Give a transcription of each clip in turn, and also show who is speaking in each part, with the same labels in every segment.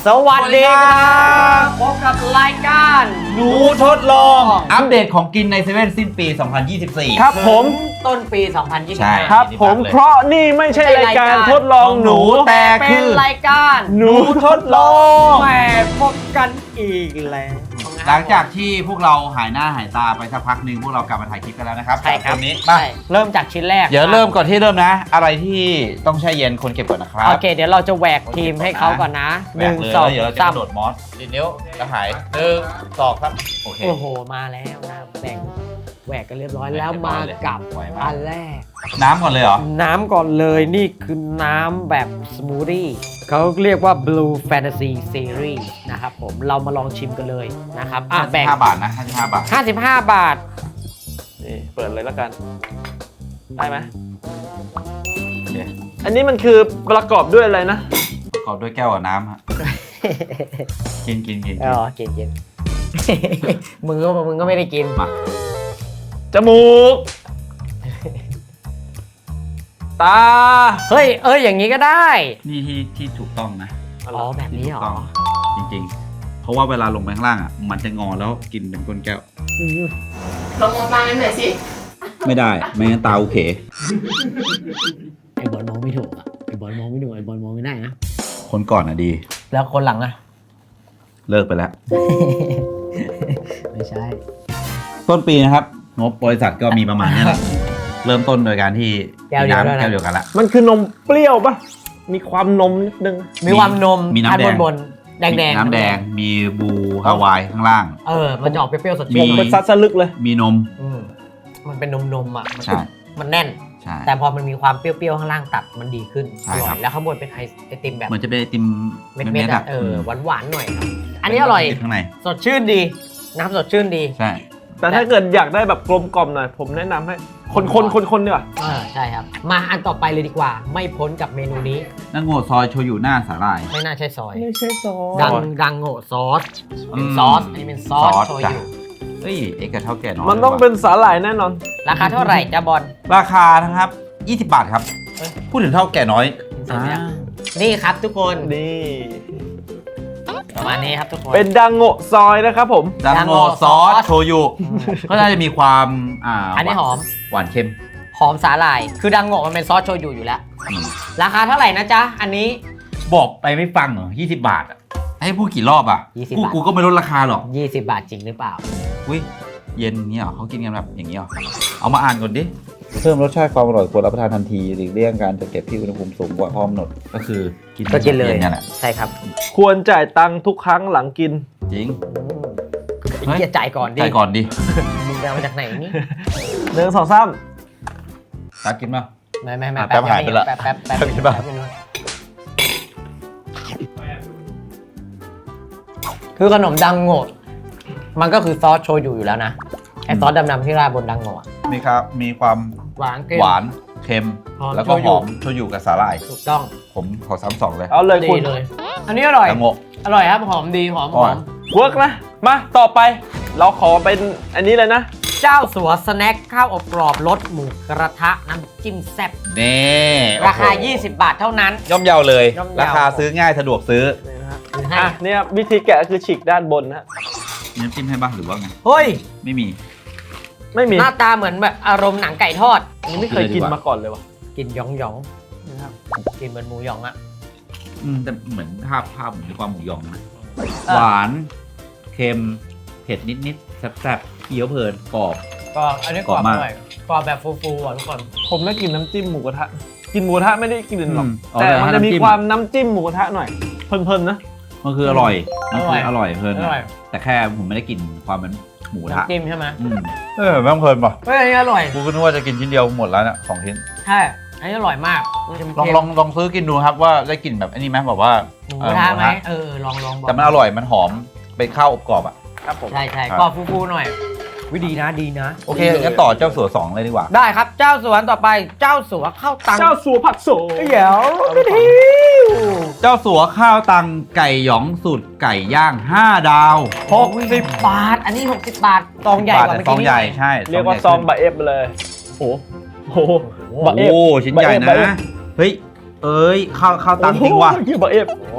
Speaker 1: สวัสดีครับพบกับรายการ
Speaker 2: หนูทดลองอัปเดตของกินในเซเว่นสิ้นปี 2024
Speaker 3: ครับผม
Speaker 1: ต้นปี
Speaker 2: ใช่
Speaker 1: 2025
Speaker 3: ครับผมเพราะนี่ไม่ใช่รายการทดลองหนู
Speaker 2: แต่
Speaker 1: เป็
Speaker 2: คื
Speaker 1: น
Speaker 2: อ
Speaker 1: รายการ
Speaker 3: หนูทดลอง
Speaker 1: แหมพบกันอีกแล้ว
Speaker 2: หลังจากที่พวกเราหายหน้าหายตาไปสักพักหนึ่งพวกเรากลับมาถ่ายคลิปกันแล้วนะครับ
Speaker 1: ใช่ครับ
Speaker 2: วันนี้
Speaker 1: ใช่เริ่มจากชิ้นแรก
Speaker 2: เดี๋ยวเริ่มก่อนที่เริ่มนะ อะไรที่ต้องแช่เย็นคนเก็บก่อนนะครับ
Speaker 1: โอเค เดี๋ยวเราจะแหวกทีมให้เขาก่อนนะ
Speaker 2: แหวกเลย
Speaker 1: 1 2
Speaker 2: แล้วเดี๋ยวเราจะกระโดดมอสดินนิ้วจะหาย1 2ครับโอเค
Speaker 1: โอ้โหมาแล้วนะแหวกกันเรียบร้อยแล้วมากับ
Speaker 2: ไหวมาก
Speaker 1: อันแรก
Speaker 2: น้ำก่อนเลยเหรอ
Speaker 1: น้ำก่อนเลยนี่คือน้ำแบบสมูทตี้เขาเรียกว่า Blue Fantasy Series นะครับผมเรามาลองชิมกันเลยนะครับแบ่ง
Speaker 2: 5 บาทนะ55 บาท
Speaker 1: 55 บาท
Speaker 3: นี่เปิดเลยแล้วกัน ได้ไหม
Speaker 2: โอเค
Speaker 3: อันนี้มันคือประกอบด้วยอะไรนะ
Speaker 2: ประกอบด้วยแก้วกับน้ำฮะกิน
Speaker 1: อ๋อกิน มึงก็ไม่ได้กิน
Speaker 2: มา
Speaker 3: จมูก ตา
Speaker 1: เฮ้ยอย่างนี้ก็ได้
Speaker 2: นี่ที่ถูกต้องนะ
Speaker 1: อ๋อแบบนี้เหรอ
Speaker 2: จริงๆ เพราะว่าเวลาลงไปข้างล่างอ่ะ มันจะงอแล้วกินเป็นก้นแก้ว
Speaker 4: ลองมองตากันหน่อยสิ
Speaker 2: ไม่ได้ ไม่งั้นตาโอเค
Speaker 1: ไอ้บอลมองไม่ถูกไอ้บอลมองไม่ถูกไอ้บอลมองไม่ได้นะ
Speaker 2: คนก่อนอ่ะดี
Speaker 1: แล้วคนหลังอะ
Speaker 2: เลิกไปแล้ว
Speaker 1: ไม่ใช่
Speaker 2: ต้นปีนะครับ งบบริษัทก็มีประมาณนี้แหละ เริ่มต้นโดยการที่
Speaker 1: แก้วเดียว
Speaker 2: น้ำ
Speaker 1: ด้วยนะ
Speaker 2: แก้วเดียวกันละ
Speaker 3: มันคือนมเปรี้ยวปะมีความนมนิดนึง
Speaker 1: มีความนม
Speaker 2: มีน้ำแดง
Speaker 1: บนแดง
Speaker 2: น้ำแดง มีบูฮาวายข้างล่าง
Speaker 1: มันจะออกเปรี้ยวๆสด
Speaker 2: มี
Speaker 1: ชื่น
Speaker 3: เป็นซัดสลึกเลย
Speaker 2: มีนม
Speaker 1: มันเป็นนมอ่ะ
Speaker 2: ใช่
Speaker 1: มันแน่น
Speaker 2: ใช่
Speaker 1: แต่พอมันมีความเปรี้ยวๆข้างล่างตัดมันดีขึ้น
Speaker 2: ใช่
Speaker 1: อร่
Speaker 2: ครั
Speaker 1: อย
Speaker 2: บ
Speaker 1: แล้วข้างบนเป็นไอติมแบบ
Speaker 2: เหมือนจะเป็นไอติม
Speaker 1: เม็ด
Speaker 2: เม็ด
Speaker 1: ๆ
Speaker 2: ๆ
Speaker 1: อ่ะ
Speaker 2: อ่ะ
Speaker 1: หวานๆหน่อย อันนี้อร่อย
Speaker 2: ข้างใน
Speaker 1: สดชื่นดีน้ำสดชื่นดี
Speaker 2: ใช่
Speaker 3: แต่ถ้าเกิดอยากได้แบบกลมกล่อมหน่อย ผมแนะนำให้คนดีกว่า
Speaker 1: ใช่ครับ มาอันต่อไปเลยดีกว่า ไม่พ้นกับเมนูนี้
Speaker 2: นั่งโง่ซอยโชยุหน้าสาหร่าย
Speaker 1: ไม่น่าใช่ซอย
Speaker 3: ไม่ใช่ซอส
Speaker 1: ดังโง่ซอส
Speaker 2: อืม
Speaker 1: ซอสอันนี้เป็นซอสโช
Speaker 2: จ้ะ
Speaker 1: ยุ
Speaker 2: เฮ้ยเอกกับเท่าแก่น้อย
Speaker 3: มันต้องเป็นสาหร่ายแน่นอน
Speaker 1: ราคาเท่าไหร่จ้าบอล
Speaker 2: ราคานะครับ 20 บาทครับ
Speaker 1: เอ้ย
Speaker 2: พูดถึงเท่าแก่น้อย
Speaker 1: ใช่ไหมครับนี่ครับทุกคน
Speaker 3: นี่
Speaker 1: ประมาณนี้ครับทุกคน
Speaker 3: เป็นดังโงะซอยนะครับผม
Speaker 2: ดังโง่ซอสโชยุก็น่าจะมีความ
Speaker 1: อันนี้หอม
Speaker 2: หวานเค็ม
Speaker 1: หอมสาหร่าย คือดังโง่มันเป็นซอสโชยุอยู่แล้ว ราคาเท่าไหร่นะจ๊ะ อันนี้
Speaker 2: บอกไปไม่ฟังเหรอ20 บาทอ่ะให้พูดกี่รอบอ่ะ
Speaker 1: 20
Speaker 2: กู
Speaker 1: บาท
Speaker 2: กูก็ไม่ลดราคาหรอก
Speaker 1: 20 บาทจริงหรือเปล่า
Speaker 2: อุ้ยเย็นเนี้ยเหรอเขากินกันแบบอย่างนี้เหรอเอามาอ่านก่อนดิเพิ่มรสชาติความอร่อยควรรับประทานทันทีหลีกเลี่ยงการจัดเก็บที่อุณหภูมิสูงกว่าพร้อมกำหนดก็คือกิน
Speaker 1: ก็กินเลย
Speaker 2: เนี่ยแหละ
Speaker 1: ใช่ครับ
Speaker 3: ควรจ่ายตังค์ทุกครั้งหลังกิน
Speaker 2: จริง
Speaker 1: ไอ้เกียจ่ายก่อนดิ
Speaker 2: ใช่ก่อนดิ
Speaker 1: มึงไปเอามาจากไหนนี่
Speaker 3: หนึ่งสองสาม
Speaker 2: ตักกินป่ะ
Speaker 1: ไม่
Speaker 2: แป๊บหายไปละ
Speaker 1: แป๊บ
Speaker 2: แป๊บกินป่ะ
Speaker 1: คือขนมดังโง่มันก็คือซอสโชยุอยู่แล้วนะ ไอซอสดำๆที่ราดบนดังโง่อะ
Speaker 2: มีความ
Speaker 1: หวานเค็ม
Speaker 2: หวานเค็ม
Speaker 1: หอม
Speaker 2: แล้วก็
Speaker 1: โชยุ
Speaker 2: หอมโชยุกับสาหร่าย
Speaker 1: ถูกต้อง
Speaker 2: ผมขอซ้ำสองเลย
Speaker 3: เอาเลย
Speaker 1: ดี
Speaker 3: คุณ
Speaker 1: เลย อันนี้อร่อย
Speaker 2: ดังโง่
Speaker 1: อร่อยครับ หอมดีหอม
Speaker 2: อร่อย
Speaker 3: เวิร์กนะ มาต่อไป เราขอเป็นอันนี้เลยนะ
Speaker 1: เจ้าสัวสแน็คข้าวอบกรอบรสหมูกระทะน้ำจิ้มแซ่บ
Speaker 2: นี่
Speaker 1: ราคา
Speaker 2: โอ้โห
Speaker 1: 20 บาทเท่านั้น
Speaker 2: ย่อมเยาเลย
Speaker 1: ย่อมเยา
Speaker 2: ราคาซื้อง่ายสะดวกซื้อ
Speaker 3: นี่นะฮะ
Speaker 1: หรือให้
Speaker 3: อ่ะเนี่ยวิธีแกะคือฉีกด้านบนนะฮะ
Speaker 2: มีน้ำจิ้มให้บ้างหรือว่าไง
Speaker 1: เฮ้ย
Speaker 2: ไม่มี
Speaker 3: ไม่มี
Speaker 1: หน้าตาเหมือนแบบอารมณ์หนังไก่ทอด
Speaker 3: อันนี้ไม่เคยกินมาก่อนเลยวะ
Speaker 1: กินหยอง
Speaker 3: นะครับ
Speaker 1: ๆกินเหมือนหมูหยองอะ
Speaker 2: แต่เหมือนภาพเหมือนความหมูยองนะ
Speaker 1: เออ
Speaker 2: หวาน เค็ม เผ็ดนิดๆแซ่บๆเคี้ยวเพลินกรอบ
Speaker 1: ก็อันนี้กรอบ
Speaker 2: กรอบมาก
Speaker 1: อร่อยกรอบแบบฟูๆอ่ะทุกคน
Speaker 3: ผมได้กินน้ำจิ้มหมูกระทะ กินหมูกระทะไม่ได้กินหรอก
Speaker 2: อ๋อ
Speaker 3: แต่มันจะมี
Speaker 2: น้ำจิ้
Speaker 3: ความน้ำจิ้มหมูกระทะหน่อย เพลินๆนะ
Speaker 2: มันคืออร่อยมันคืออร่อยเพลิน
Speaker 1: อร่อย
Speaker 2: แต่แค่ผมไม่ได้กินความเป็นหมูกระทะ
Speaker 1: น้ำจิ้มใช่ไหม
Speaker 2: แม่งเพลินป่ะ
Speaker 1: เฮ้ยอันนี้อร่อย
Speaker 2: กูก็นึกว่าจะกินชิ้นเดียวหมดแล้วเนี่ย2 ชิ้น
Speaker 1: ใช่อันนี้อร่อยมากมันจะ
Speaker 2: ลองซื้อกินดูครับว่าได้กลิ่นแบบอันนี้ไหมแบบว่า
Speaker 1: หมูกระทะไหมลองบอก
Speaker 2: แต่มันอร่อยมันหอมเป็นข้าวอบกรอบอ่ะ
Speaker 3: ครับผม
Speaker 1: ใช่
Speaker 2: ครับ
Speaker 1: กรอบฟูๆหน่อยวิดีนะดีนะ
Speaker 2: โอเคงั้นต่อเจ้าสัว2เลยดีกว่า
Speaker 1: ได้ครับเจ้าสัวต่อไปเจ้าสัวข้าวตัง
Speaker 3: เจ้าสัวผักโส
Speaker 1: เดี๋ยว
Speaker 2: เจ้าสัวข้าวตังไก่หยองสูตรไก่ย่าง5 ดาว
Speaker 1: 60 บาท อันนี้ 60 บาทซองใหญ่กว่าเมื่อ
Speaker 2: ซอง
Speaker 1: กี้
Speaker 2: ใหญ่
Speaker 1: นิดน่อย
Speaker 2: ใช่
Speaker 3: เรียกว่าซองบะเอฟไปเลยโอ้โหบะเอฟ
Speaker 2: โอ้ชิ้นใหญ่นะ
Speaker 3: บะเอฟ
Speaker 2: เฮ้ยข้าวตังจริงว่ะ
Speaker 3: โอ้โหบะเอฟ
Speaker 1: โอ้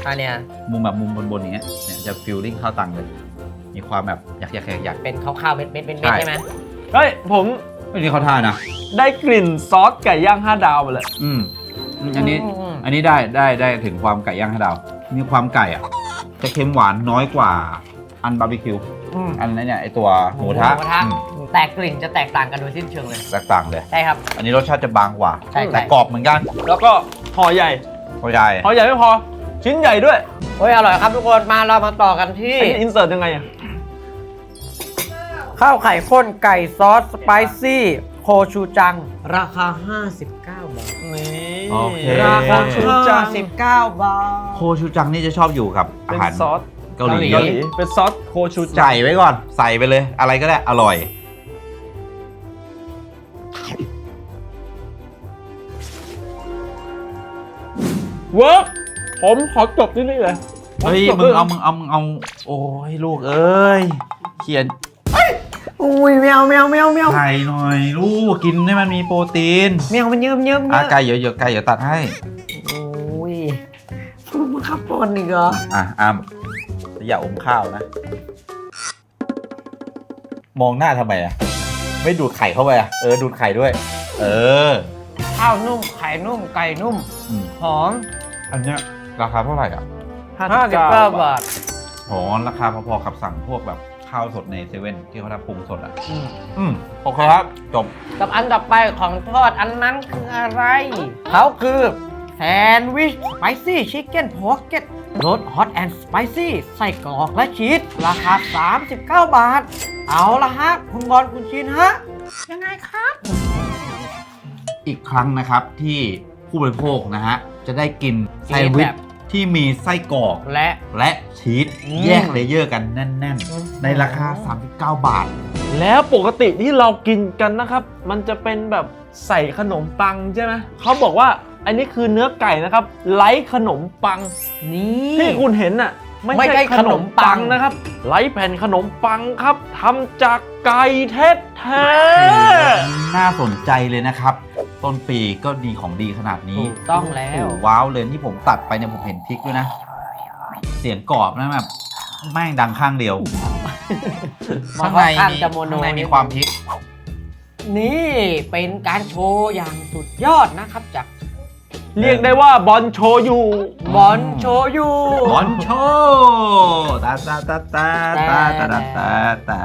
Speaker 1: อันเนี้ย
Speaker 2: มุมแบบมุมบนๆอย่างเงี้ยเนี่ยจะฟิลลิ่งข้าวตังเลย มีความแบบอยาก
Speaker 1: เป็นข้าวๆเม็ดๆ
Speaker 2: ใช่
Speaker 1: ใช่ไหม
Speaker 3: เฮ้ยผม
Speaker 2: ไม่นี่เขาท่านะ
Speaker 3: ได้กลิ่นซอสไก่ย่าง5 ดาวมาเลย
Speaker 2: อันนี้ได้ถึงความไก่ย่าง5 ดาว มีความไก่อ่ะจะเค็มหวานน้อยกว่าอันบาร์บีคิว อันนั้นเนี่ยไอตัวหมูทะ
Speaker 1: แต่กลิ่นจะแตกต่างกันโดยสิ้นเชิงเลย
Speaker 2: แตกต่างเลย
Speaker 1: ใช่ครับ
Speaker 2: อันนี้รสชาติจะบางกว่า
Speaker 1: ใช่
Speaker 2: แต่กรอบเหมือนกัน
Speaker 3: แล้วก็ห่อใหญ่
Speaker 2: เข้าใจ
Speaker 3: ห่อใหญ่ไม่พอ ชิ้นใหญ่ด้วย
Speaker 1: เฮ้ยอร่อยครับทุกคนมาเรามาต่อกันที่
Speaker 3: อันนี้อินเสิร์ตยังไงอ่ะ
Speaker 1: ข้าวไข่ข้นไก่ซอสสไปซี่โคชูจัง ราคา 59 บาท
Speaker 3: นี่
Speaker 2: โอเค
Speaker 1: ราคา
Speaker 3: โคชูจัง
Speaker 1: 59 บาท
Speaker 2: โคชูจังนี่จะชอบอยู่กับอา
Speaker 3: เป็น
Speaker 2: หาร
Speaker 3: ซอส
Speaker 2: เกาหลี
Speaker 1: เกาหลี
Speaker 3: เป็นซอสโคชูจัง
Speaker 2: ใส่ไว้ก่อน ใส่ไปเลย อะไรก็ได้ อร่อย
Speaker 3: เวิร์กผมขอจบที่นี่เลย
Speaker 2: เฮ้ย มึงเอา โอ้ยลูกเอ้ย เขียน
Speaker 1: อุ้ยแมว
Speaker 2: ไข่หน่อยลูก กินให้มันมีโปรตีน
Speaker 1: แมวมันเยิ้มเยิ้ม
Speaker 2: อ่ะไก่เยอะๆไก่เดี๋ยวตัดให้
Speaker 1: โอ้ยฟูมาขับปอนอีกเหรอ
Speaker 2: อ้ามอย่าอมข้าวนะ มองหน้าทำไมอ่ะ ไม่ดูดไข่เข้าไปอ่ะ ดูดไข่ด้วย
Speaker 1: ข้าวนุ่มไข่นุ่มไก่นุ่ม
Speaker 2: อืม
Speaker 1: หอม
Speaker 2: อันเนี้ยราคาเท่าไหร่อ่ะ
Speaker 1: 59 บาท
Speaker 2: โหราคาพอๆกับสั่งพวกแบบข้าวสดในเซเว่นที่เขาทำปรุงสดอ่ะ โอเคครับ จบ
Speaker 1: กับอันต่อไปของทอดอันนั้นคืออะไร เขาคือแซนด์วิชสไปซี่ชิคเก้นพอกเก็ตรสฮอตแอนด์สไปซี่ใส่กรอกและชีสราคา 39 บาท เอาละฮะ คุณบอลคุณชินฮะ ยังไงครับ
Speaker 2: อีกครั้งนะครับที่ผู้บริโภคนะฮะ จะได้กินแซนด์วิ
Speaker 1: แบ
Speaker 2: ช
Speaker 1: บ
Speaker 2: ที่มีไส้กรอก
Speaker 1: และ
Speaker 2: ชีสแยกเลเยอร์กันแน่น ๆ ในราคา 39 บาท
Speaker 3: แล้วปกติที่เรากินกันนะครับ มันจะเป็นแบบใส่ขนมปังใช่ไหมเขาบอกว่าอันนี้คือเนื้อไก่นะครับไร้ขนมปัง
Speaker 1: นี่
Speaker 3: ที่คุณเห็นน่ะ
Speaker 1: ไม่
Speaker 3: ไม่
Speaker 1: ใช่
Speaker 3: ใช่ขนมปัง
Speaker 1: ขนมปัง
Speaker 3: นะครับไร้แผ่นขนมปังครับทำจากไก่แท้ๆ
Speaker 2: น่าสนใจเลยนะครับ ต้นปีก็ดีของดีขนาดนี้
Speaker 1: ถูกต้องแล้ว
Speaker 2: โอ้โหว้าวเลยที่ผมตัดไปเนี่ยผมเห็นพริกด้วยนะ เสียงกรอบนะแบบแม่งดังข้างเดียว ข้างใน
Speaker 1: ข้าง
Speaker 2: มี
Speaker 1: จะโมโน
Speaker 2: ข้างในมีความพริก
Speaker 1: นี่เป็นการโชว์อย่างสุดยอดนะครับจาก
Speaker 3: เรียกได้ว่าบอลโชยุ
Speaker 1: บอลโชยู
Speaker 2: บอลโชตาตาตาตาตาตาตาตาตา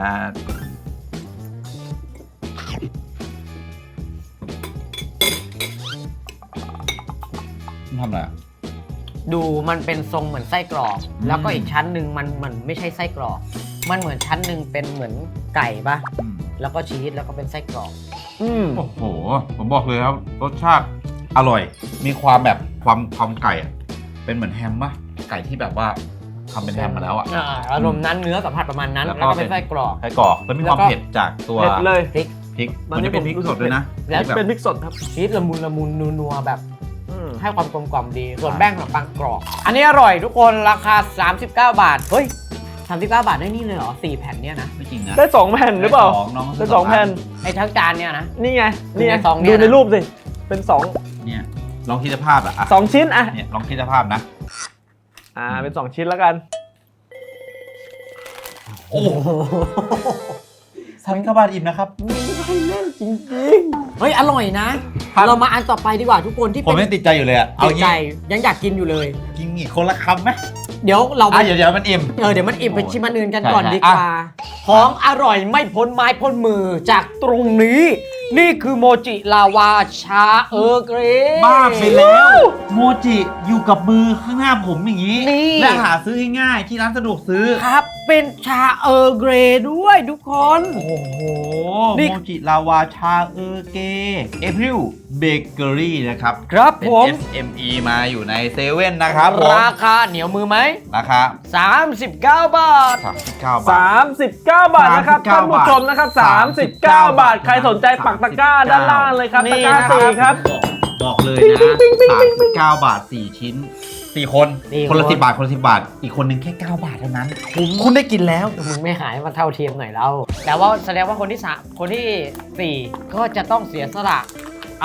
Speaker 2: ทำอะไรอ่ะ
Speaker 1: ดูมันเป็นทรงเหมือนไส้กรอก แล้วก็อีกชั้นหนึ่งมันไม่ใช่ไส้กรอก มันเหมือนชั้นหนึ่งเป็นเหมือนไก่ปะแล้วก็ชีสแล้วก็เป็นไส้กรอก
Speaker 2: โอ้โห ผมบอกเลยครับ รสชาติอร่อย มีความแบบความไก่อะเป็นเหมือนแฮมปะไก่ที่แบบว่าทำเป็นแฮมมาแล้วอะ
Speaker 1: อารมณ์นั้นเนื้อสัมผัสประมาณนั้น
Speaker 2: แล้
Speaker 1: แล้ว ว
Speaker 2: ก็
Speaker 1: ก็เป็นไส้กรอก
Speaker 2: ไส้กรอกแล้วมีความ
Speaker 1: แล้วก็
Speaker 2: เผ็ดจากตัว
Speaker 3: เผ็ดเลย
Speaker 1: พริก
Speaker 2: พริก
Speaker 3: ตอ
Speaker 2: มัน น
Speaker 3: นี้
Speaker 2: จะเป็นพริก
Speaker 3: ผมรู้สึ
Speaker 2: ส
Speaker 3: ก
Speaker 2: ดด้วยนะ
Speaker 1: แล้ว
Speaker 2: แบบ
Speaker 3: เป็นพริกสดครับ
Speaker 1: ชีสละมุนนัวๆแบบ
Speaker 3: อืม
Speaker 1: ให้ความกลมกล่อมดี ส่วนแป้งขนมปังกรอบ อันนี้อร่อยทุกคนราคา 39 บาท เฮ้ย 39 บาทได้นี่เลยเหรอ 4 แผ่นเนี่ยนะ
Speaker 2: ไม่จริงนะ
Speaker 3: ได้2 แผ่นหรือเปล่า
Speaker 2: น้อง
Speaker 3: ได้2 แผ่น
Speaker 1: ไอ้ทั้งจานเนี่ยนะ
Speaker 3: นี่ไงนี่ไง
Speaker 1: ในซองเนี่ย
Speaker 3: ดูใน
Speaker 1: นะ
Speaker 3: รูปสิเป็น
Speaker 2: เนี่ยลองคิดสภาพอะ
Speaker 3: 2ชิ้นอ่ะ
Speaker 2: เนี่ยลองคิดสภาพนะ
Speaker 3: เป็น2ชิ้นแล้วกัน
Speaker 2: โอ้โห39 บาทอิ่มนะครับ
Speaker 1: เฮ้ย อร่อยนะ
Speaker 2: ครับ
Speaker 1: เรามาอันต่อไปดีกว่าทุกคนที่
Speaker 2: ผม
Speaker 1: เป็น
Speaker 2: ยังติดใจอยู่เลยอะเอา
Speaker 1: ติดใจ
Speaker 2: งี้
Speaker 1: ยังอยากกินอยู่เลย
Speaker 2: กินอีกคนละคำไหม
Speaker 1: เดี๋ยวเราไป
Speaker 2: เดี๋ยวมันอิ่ม
Speaker 1: เดี๋ยวมันอิ่มไปชิมอันอื่นกันก่อน
Speaker 2: ใช่
Speaker 1: ดีกว่า ของอร่อยไม่พ้นไม้พ้นมือจากตรงนี้ นี่คือโมจิลาวาชาเออร์เกรย์
Speaker 2: บ้าไปแล้ว โมจิอยู่กับมือข้างหน้าผมอย่างนี้
Speaker 1: นี่
Speaker 2: และหาซื้อง่ายๆที่ร้านสะดวกซื้อ
Speaker 1: ครับ เป็นชาเออร์เกรย์ด้วยทุกคน
Speaker 2: โอ้โห
Speaker 1: นี่
Speaker 2: โมจิลาวาชาเออร์เกเอพริลเบเกอรี่นะครับ
Speaker 1: ครับ
Speaker 2: เป็น
Speaker 1: ผม
Speaker 2: SME มาอยู่ในเซเว่นนะครับผม
Speaker 1: ราคาเหนียวมือไหม
Speaker 2: ราคา
Speaker 1: 39 บาท
Speaker 2: 39 บาท
Speaker 3: 39 บาทนะครับ
Speaker 2: 39
Speaker 3: ท่านผู้ชมนะครับ 39 บาท ใครสนใจปักตะกร้าด้านล่างเลยครับ
Speaker 1: นี่
Speaker 3: ตะกร้า
Speaker 1: นะครับ
Speaker 3: 4ครับ
Speaker 2: บอกเลยนะ39 บาท 4 ชิ้น 4 คน คนละ 10 บาท คนละ 10 บาท อีกคนนึงแค่ 9 บาทเท่านั้น คุณได้กินแล้ว
Speaker 1: มึงไม่หายมาเท่าเทียมหน่อยแล้ว แต่ว่าแสดงว่าคนที่ 3 คนที่ 4 ก็จะต้องเสียสละอะไร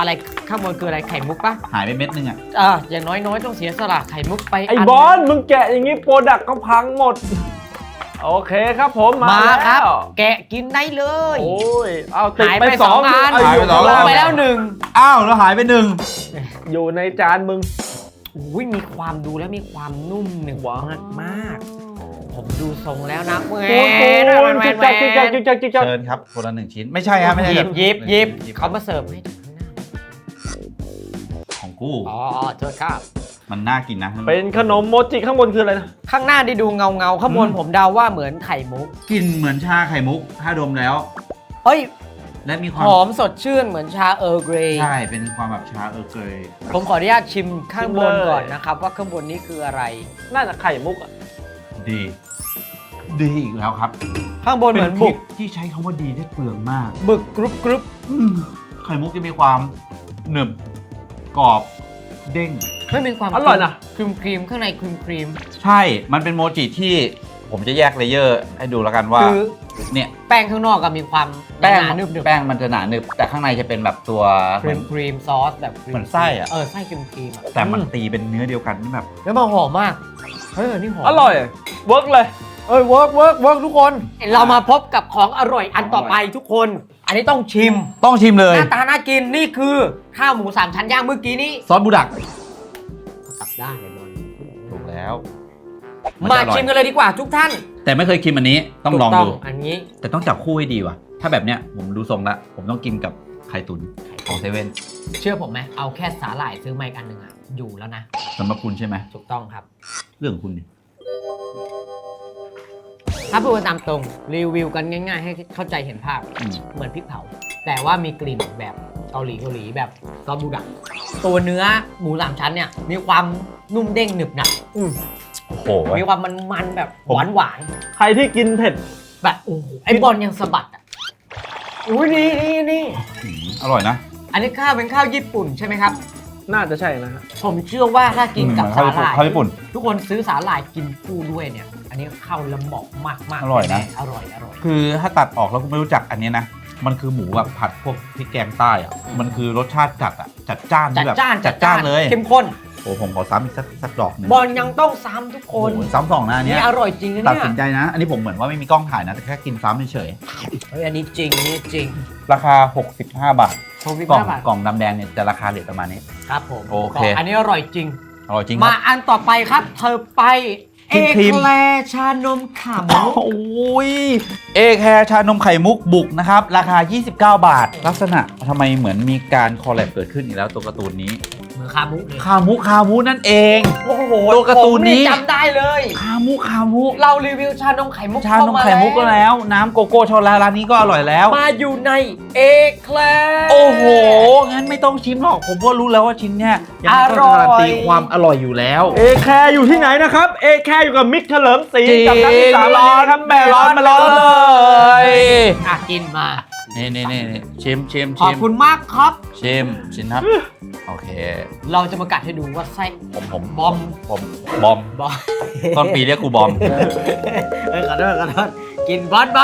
Speaker 1: ข้างบนคืออะไรไข่มุกปะ
Speaker 2: หายไปเม็ดนึงอ่ะ
Speaker 1: อย่างน้อยๆต้องเสียสละไข่มุกไป
Speaker 3: ไอ้
Speaker 1: น
Speaker 3: บอลมึงแกะอย่างงี้โปรดักต์ก็พังหมด โอเคครับผมมา
Speaker 1: มาครับ
Speaker 3: แล้ว
Speaker 1: แกะกินได้เลย
Speaker 3: โอ้ยเอาติด
Speaker 1: หาย
Speaker 3: ไป
Speaker 1: ไป
Speaker 3: สอง
Speaker 1: 2 อัน
Speaker 3: เา
Speaker 2: หายไปสอง
Speaker 1: ล
Speaker 2: อั
Speaker 1: ง
Speaker 2: น
Speaker 1: ไปแล้ว
Speaker 2: อ้าวแล้วหายไปหนึ่ง
Speaker 3: อยู่ในจานมึง
Speaker 1: 1อุ้ยมีความดูแล้วมีความนุ่มหนึบ
Speaker 3: ว้าว
Speaker 1: มากๆผมดูทรงแล้วนะแหว
Speaker 3: โอ้ย
Speaker 1: น
Speaker 3: จิ๊กจักจิ๊กจักจิ๊กจักจิ๊กจัก
Speaker 2: เชิญครับคนละ1 ชิ้นไม่ใช่ครับไม่ใช่
Speaker 1: หยิบ
Speaker 2: หยิบ
Speaker 1: เขามาเสิร์ฟให้ดูข้างหน้า
Speaker 2: ของกู
Speaker 1: อ๋อโทษครับ
Speaker 2: มันน่ากินนะ
Speaker 3: เป็นขนมโมจิข้างบนคืออะไรนะ
Speaker 1: ข้างหน้าได้ดูเงาข้างบนผมเดาว่าเหมือนไข่มุก
Speaker 2: กลิ่นเหมือนชาไข่มุกถ้าดมแล้ว
Speaker 1: เฮ้ย
Speaker 2: และมีค
Speaker 1: ห
Speaker 2: วาม
Speaker 1: อมสดชื่นเหมือนชาเออร์เกรย์
Speaker 2: ใช่เป็นความแบบชาเกย
Speaker 1: ผมขออนุญาตชิมข้างบนก่อนนะครับว่าข้างบนนี้คืออะไร
Speaker 3: น่าจะไข่มุกอ่ะ
Speaker 2: ดีอีกแล้วครับ
Speaker 1: ข้างบนเหมือน
Speaker 2: ป็
Speaker 1: บุก
Speaker 2: ที่ใช้คำว่าดีได้เปลืองมาก
Speaker 1: บึกกรุบกรุบ
Speaker 2: ไข่มุกจะมีความหนึบกรอบเด้ง
Speaker 1: ไม่มีความ
Speaker 3: อร่อยนะ
Speaker 1: ครีมข้างในครีม
Speaker 2: ใช่ มันเป็นโมจิที่ผมจะแยกเลเยอร์ให้ดูแล้วกันว่า
Speaker 1: คือ
Speaker 2: เนี่ย
Speaker 1: แป้งข้างนอกก็มีความ
Speaker 2: แป้ง
Speaker 1: หนาๆนึบ
Speaker 2: แป้งมันจะหนาหนึบแต่ข้างในจะเป็นแบบตัว
Speaker 1: ครีมซอสแบบครี
Speaker 2: เหมือนไส้อะ
Speaker 1: ไส้ครีมอะ
Speaker 2: แต่มันตีเป็นเนื้อเดียวกันนี่แบบ
Speaker 1: แล้วมันหอมมากเฮ้ยอันนี่หอม
Speaker 3: อร่อยเวิร์กเลย
Speaker 1: เวิร์กทุกคน เรามาพบกับของอร่อยอันต่อไปทุกคน อันนี้ต้องชิม
Speaker 2: ต้องชิมเล
Speaker 1: ห
Speaker 2: ย
Speaker 1: น้าตาน่ากินนี่คือข้าวหมู3 ชั้นย่างเมื่อกี้นี้
Speaker 2: ซอสบูดัก
Speaker 1: กลับด้านเลยบอล
Speaker 2: ถูกแล้ว
Speaker 1: มา
Speaker 2: จะอร่อย
Speaker 1: ชิมกันเลยดีกว่าทุกท่าน
Speaker 2: แต่ไม่เคยกินอันนี้ต้องลองดู
Speaker 1: ถูกอันนี้
Speaker 2: แต่ต้องจับคู่ให้ดีว่ะ ถ้าแบบเนี้ยผมดูทรงละผมต้องกินกับไข่ตุ๋นของเซเว่น
Speaker 1: เชื่อผมไหมเอาแค่สาหร่ายซื้อมาอีกอันหนึ่งอะอยู่แล้วนะ
Speaker 2: สำหรับคุณใช่ไหม
Speaker 1: ถูกต้องครับ
Speaker 2: เรื่องของคุณดิ
Speaker 1: ถ้าพูดกันตามตรงรีวิวกันง่ายๆ ให้เข้าใจเห็นภาพ เหมือนพริกเผา แต่ว่ามีกลิ่นแบบเกาหลีแบบซอสบูดักตัวเนื้อหมู3 ชั้นเนี่ยมีความนุ่มเด้งหนึบหนับ
Speaker 2: โอ้โห
Speaker 1: มีความมันๆแบบหวาน
Speaker 3: ใครที่กินเผ็ด
Speaker 1: ๆแบบโอ้โหไอ้บอลยังสะบัดอ่ะอุ้ยนี่
Speaker 2: อร่อยนะ
Speaker 1: อันนี้ข้าวเป็นข้าวญี่ปุ่นใช่ไหมครับ
Speaker 3: น่าจะใช่นะฮะ
Speaker 1: ผมเชื่อว่าถ้ากินกับ
Speaker 2: ข้า
Speaker 1: สาว หร่าย
Speaker 2: ญี่ปุ่นข้าวญี่ปุ่น
Speaker 1: ทุกคนซื้อสาหร่ายกินคู่ด้วยเนี่ย อันนี้เข้าละเหมาะมากๆ
Speaker 2: อร่อยนะ
Speaker 1: อร่อย
Speaker 2: คือถ้าตัดออกแล้วคุณไม่รู้จักอันเนี้ยนะ มันคือหมูแบบผัดพวกพริกแกงใต้อะมันคือรสชาติจัดอะจัดจ้าน
Speaker 1: จั
Speaker 2: ที่
Speaker 1: ด
Speaker 2: แบบ
Speaker 1: จ้าน
Speaker 2: จัดจ้านเลย
Speaker 1: เข้มข้น
Speaker 2: โอ้ผมขอซ้ำอีกสักดอกหนึง
Speaker 1: บอลยังต้องซ้ำทุกค
Speaker 2: โอ้
Speaker 1: น
Speaker 2: โหซ้ำสองหน้าเนี้
Speaker 1: นี่
Speaker 2: ย
Speaker 1: อร่อยจริงนะ
Speaker 2: ตัด
Speaker 1: เนี่ย
Speaker 2: สินใจนะ อันนี้ผมเหมือนว่าไม่มีกล้องถ่ายนะ แต่แค่กินซ้ำเฉย
Speaker 1: เฮ้ยอันนี้จริงนี่จริง
Speaker 2: ๆราคา 65 บาท กล่อง
Speaker 1: 65 บาท
Speaker 2: กล่องดำแดงเนี่ยจะราคาเด็ดประมาณนี้
Speaker 1: ครับผม
Speaker 2: โอเค
Speaker 1: อันนี้อร่อยจริง
Speaker 2: อร่อยจริงค
Speaker 1: มา
Speaker 2: รับ
Speaker 1: อันต่อไปครับ เธอไปเอ
Speaker 2: ครีม
Speaker 1: แคลร์ชานมขาหมู
Speaker 2: โอ้ยเอแคร์ชานมไข่มุกบุกนะครับ ราคา 29 บาท ลักษณะทำไมเหมือนมีการคอลแลบเกิดขึ้นอีกแล้วตัวการ์ตูนนี้
Speaker 1: เหมือนคามุเลย
Speaker 2: คามุนั่นเอง
Speaker 1: โอ้โห
Speaker 2: ตัวการ์ตูนนี้
Speaker 1: ผมจำได้เลย
Speaker 2: คามุ
Speaker 1: เรารีวิวชานมไข่มุก
Speaker 2: ชานมไข่มุกก็แล้ว น้ำโกโก้ช็อกโกแลตร้านนี้ก็อร่อยแล้ว
Speaker 1: มาอยู่ในเอแคลร์
Speaker 2: โอ้โห งั้นไม่ต้องชิมหรอก ผมก็รู้แล้วว่าชิ้นเนี้ยยังไงก็
Speaker 1: อร่อย
Speaker 2: การันตีความอร่อยอยู่แล้ว
Speaker 3: เอแคร์อยู่ที่ไหนนะครับ เอแคร์อยู่กับมิกเฉลิมศรี
Speaker 2: จริง
Speaker 3: กับนักศึกษาร้อนครับแม่ร้อนมาร้อนเลย
Speaker 1: อ่ะกินมา
Speaker 2: นี่ชิม
Speaker 1: ขอบคุณมากครับ
Speaker 2: ชิมครับ โอเค
Speaker 1: เราจะมากัดให้ดูว่าไส้
Speaker 2: ผม
Speaker 1: บอม
Speaker 2: บอม
Speaker 1: บอม
Speaker 2: ต้นปีเรียกกูบอม
Speaker 1: ขอโทษกินบอล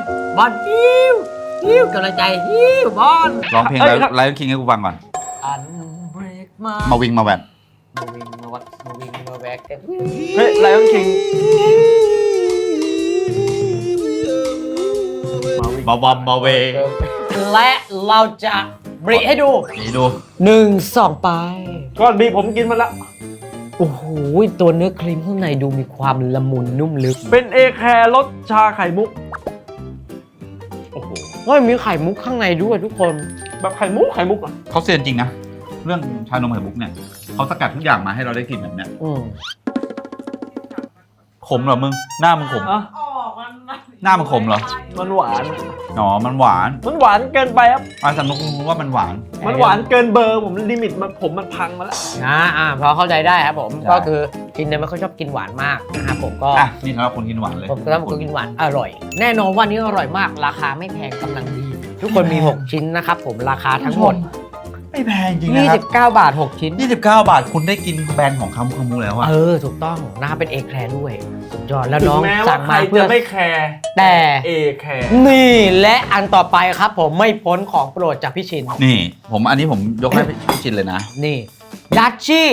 Speaker 1: ฮิ้วกำลังใจฮิ้วบอล
Speaker 2: ร้องเพลงไลฟ์คิงให้กูฟังก่อน
Speaker 1: อันเบรกมา
Speaker 2: มาวิ่งมาแหวน
Speaker 1: มาวิ่งมาวัดมาวิ่งมาแบกกัน
Speaker 3: เฮ้ยไลออนคิง
Speaker 2: มาเว
Speaker 1: และเราจะบริให้ดู
Speaker 2: นี่ดู
Speaker 1: 1 2 ไป
Speaker 3: ก้อนบีผมกินมาแล้ว
Speaker 1: โอ้โหตัวเนื้อครีมข้างในดูมีความละมุนนุ่มลึก
Speaker 3: เป็นเอแคร์รสชาไข่มุก โอ้โห
Speaker 1: ว่ามีไข่มุกข้างในด้วยทุกคน
Speaker 3: แบบไข่มุกอ่ะ
Speaker 2: เขาเซียนจริงนะ เรื่องชานมไข่มุกเนี่ยเขาสกัดทุกอย่างมาให้เราได้กินแบบเนี้ย ขมเหรอมึง หน้ามึงขม
Speaker 3: อ่ะ
Speaker 2: หน้ามึงขมเหรอ
Speaker 3: มันหวาน
Speaker 2: อ๋อ มันหวาน
Speaker 3: มันหวานเกินไปครับ
Speaker 2: สำนึกว่ามันหวาน
Speaker 3: มันหวานเกินเบอร์ผมลิมิตมันพังมาแล้ว
Speaker 1: พอเข้าใจได้ครับผม
Speaker 2: ได้
Speaker 1: ก็คือกินเนี่ยไม่ค่อยชอบกินหวานมากนะครับผมก็
Speaker 2: นี่สำหรับคนกินหวานเลย
Speaker 1: ผมก็ต้องกินหวานอร่อย แน่นอนว่านี้อร่อยมาก ราคาไม่แพงกำลังดี ทุกคนมี 6 ชิ้นนะครับผมราคาทั้งหมด
Speaker 2: ไม่แพงจริงนะครับ
Speaker 1: 29 บาท 6 ชิ้น
Speaker 2: 29 บาทคุณได้กินแบรนด์ของคามูแล้วอะ
Speaker 1: ถูกต้องนะครับเป็นเอแคร์ด้วยสุดยอดแล้ว
Speaker 3: ถึ
Speaker 1: น้
Speaker 3: ง
Speaker 1: อง
Speaker 3: แม้
Speaker 1: สั่
Speaker 3: ว่าง ใคร
Speaker 1: มาเพื่
Speaker 3: จะ
Speaker 1: อ
Speaker 3: ไม่แคร์
Speaker 1: แต่
Speaker 3: เอแคร์
Speaker 1: นี่และอันต่อไปครับผมไม่พ้นของโปรดจากพี่ชิน
Speaker 2: นี่อันนี้ผมยกให้พี่ชินเลยนะ
Speaker 1: นี่ดัชชี่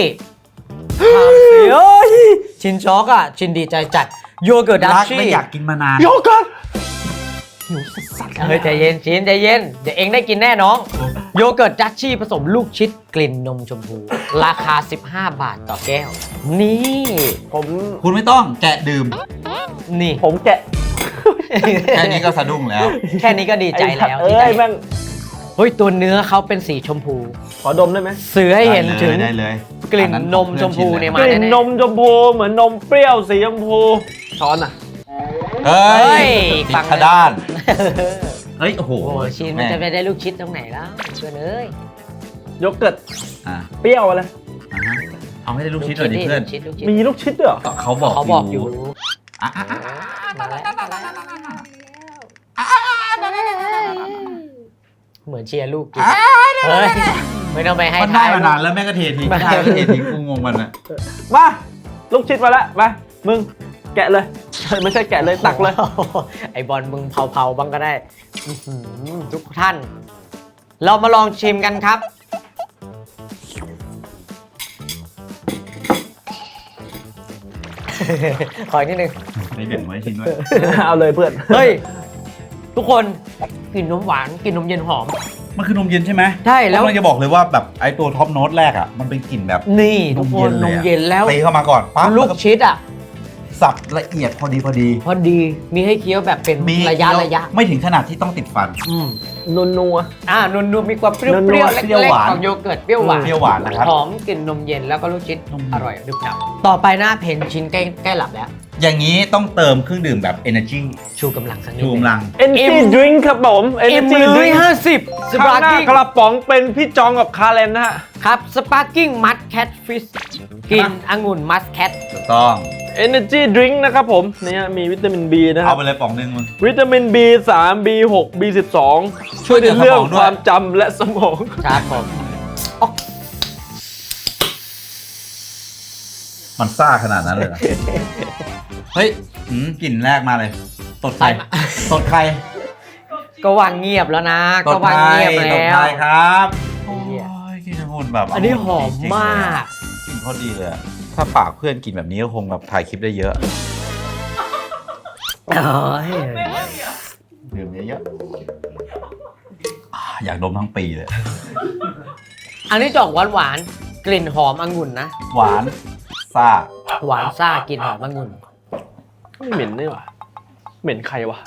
Speaker 1: ชินช็อกอ่ะ ชินดีใจจัดโยเกิร์ตดัช
Speaker 2: รัก
Speaker 1: ชี่
Speaker 2: และอยากกินมานาน
Speaker 3: โยเกิร์ต
Speaker 1: เฮ้ยใจเย็นชินใจเย็น เดี๋ยวเองได้กินแน่น้อง โยเกิร์ตดัชชี่ผสมลูกชิดกลิ่นนมชมพู ราคา 15 บาทต่อแก้ว นี่
Speaker 2: คุณไม่ต้องแกะดื่ม
Speaker 1: นี่
Speaker 3: ผมแกะ
Speaker 2: แค่นี้ก็สะดุ้งแล้ว
Speaker 1: แค่นี้ก็ดีใจแล้ว
Speaker 3: เอ้
Speaker 1: ที่ได้
Speaker 3: ยแม่ง
Speaker 1: เฮ้ยตัวเนื้อเขาเป็นสีชมพู
Speaker 3: ขอดมได้ไหม
Speaker 1: สื่อให้เห็นถึง
Speaker 2: ได้เลย
Speaker 1: กลิ่นนมชมพูเนี่ย
Speaker 3: ก
Speaker 1: มา
Speaker 3: ลิ่น
Speaker 1: แน่
Speaker 3: นมชมพูเหมือนนมเปรี้ยวสีชมพูช้อนอ่ะ
Speaker 2: เฮ้ย
Speaker 1: ๆ
Speaker 2: ติด
Speaker 1: ฟัง
Speaker 2: ขด้าน เฮ้ย โอ้โห
Speaker 1: โอ้ชินมันจะไปได้ลูกชิดตรงไหนแล้วเพื่อนเอ้ย
Speaker 3: โยเกิร์ต
Speaker 2: อ่ะ
Speaker 3: เปรี้ยวอะไร
Speaker 2: เอาให้ได้ลูกชิ้นหน่อยดิเพื่อน
Speaker 1: ลูกชิด
Speaker 3: มีลูกชิดด้วยเหรอ
Speaker 2: เขาบอก
Speaker 1: เขาบอกอยู่
Speaker 2: อ่ะอ่ะอ่ะ
Speaker 1: มาแล้วเหมือนเชียร์ลูกกินเฮ้ยไม่ต้องไปให้
Speaker 2: มันได้
Speaker 1: ทาย
Speaker 2: มานานแล้วแม่ก็เททิ้ง
Speaker 1: ไม่
Speaker 2: ได้ก็เททิ้งกูงงมันอะ
Speaker 3: มาลูกชิดมาแล้วมามึงแกะเลย ไม่ใช่แกะเลยตักเลย
Speaker 1: ไอบอลมึงเผาๆบ้างก็ได้อื้อหือทุกท่าน เรามาลองชิมกันครับ ขออีกนิดนึง
Speaker 2: ไม่แบ่งไว้ทิ้งด้วย
Speaker 3: เอาเลยเพื่อน
Speaker 1: เฮ้ย ทุกคนกลิ่นนมหวานกลิ่นนมเย็นหอม
Speaker 2: มันคือนมเย็นใช่ไหม
Speaker 1: ใช่แล้ว
Speaker 2: ผมกำลังจะบอกเลยว่าแบบไอ้ตัวท็อปโน้ตแรกอ่ะ มันเป็นกลิ่นแบบ
Speaker 1: นี่ทุกคนนมเย็นแล้ว
Speaker 2: ตีเข้ามาก่อนปั๊บ
Speaker 1: ลูกชิดอ่ะ
Speaker 2: สับละเอียดพอดี
Speaker 1: พอดีมีให้เคี้ยวแบบเป็นระยะ
Speaker 2: ไม่ถึงขนาดที่ต้องติดฟัน
Speaker 3: นัว
Speaker 1: นุ่มๆมีความเปรี้ยว
Speaker 3: นัวๆ
Speaker 1: ๆเล็
Speaker 2: เปรี้ยว
Speaker 1: ก
Speaker 2: หวาน
Speaker 1: ๆของโยเกิร์ตเปรี้ยวหวาน
Speaker 2: เปรี้ยวหวานนะครับ
Speaker 1: หอมกลิ่นนมเย็นแล้วก็ลูกชิด
Speaker 2: นมเย็น
Speaker 1: อร่อยดึบดับต่อไปหน้าเพนชิ้นใกล้หลับแล้ว
Speaker 2: อย่างนี้ต้องเติมเครื่องดื่มแบบ energy
Speaker 1: ชูกำลังสักนิด
Speaker 2: ชูกำลัง
Speaker 3: ๆ Energy Drink ครับผม
Speaker 1: เอ็ม
Speaker 3: Energy
Speaker 1: เลย
Speaker 3: Drink
Speaker 1: 50ส
Speaker 3: ข้า
Speaker 1: ปาง ร์
Speaker 3: หน้า
Speaker 1: กิ้ง
Speaker 3: กระป๋องเป็นพี่จองกับคาเรนนะฮะ
Speaker 1: ครับสปาร์กิ้งมัสแคทฟิชกินองุ่นมัสแคท
Speaker 2: ถูกต้อง
Speaker 3: Energy Drink นะครับผมเนี่ยมีวิตามิน B นะค
Speaker 2: เอา
Speaker 3: รับ
Speaker 2: ไปเลยป๋องหนึงมึง
Speaker 3: วิตามิน B3 B6 B12 ช่วยในเรื่องความจำและสมอง
Speaker 1: ครับผม
Speaker 2: มันซ่าขนาดนั้นเลยเหรอ เฮ้ยกลิ่นแรกมาเลย ตดไข่ตดไข่
Speaker 1: ก็วางเงียบแล้วนะ
Speaker 2: ต
Speaker 1: ก็
Speaker 2: ด
Speaker 1: วาง
Speaker 2: ไข่
Speaker 1: เงียบ
Speaker 2: ต
Speaker 1: แล้
Speaker 2: ด
Speaker 1: ว
Speaker 2: ไข่ครับโอ้
Speaker 1: เหี้ย
Speaker 2: ยกลิ่นองุ่นแบบ
Speaker 1: อันนี้หอมมาก
Speaker 2: กลิ่นพอดีเลยอะถ้าฝากเพื่อนกินแบบนี้ก็คงแบบถ่ายคลิปได้เยอะ
Speaker 1: เอ้ย
Speaker 2: ดื่มเยอะๆอยากดมทั้งปีเลย
Speaker 1: อันนี้จะออกหวานๆกลิ่นหอมองุ่นนะ
Speaker 2: หวานซ่า
Speaker 1: หวานซ่ากลิ่นหอมองุ่น
Speaker 3: ไม่เหม็นนี่หว่าเหม็นใครวะ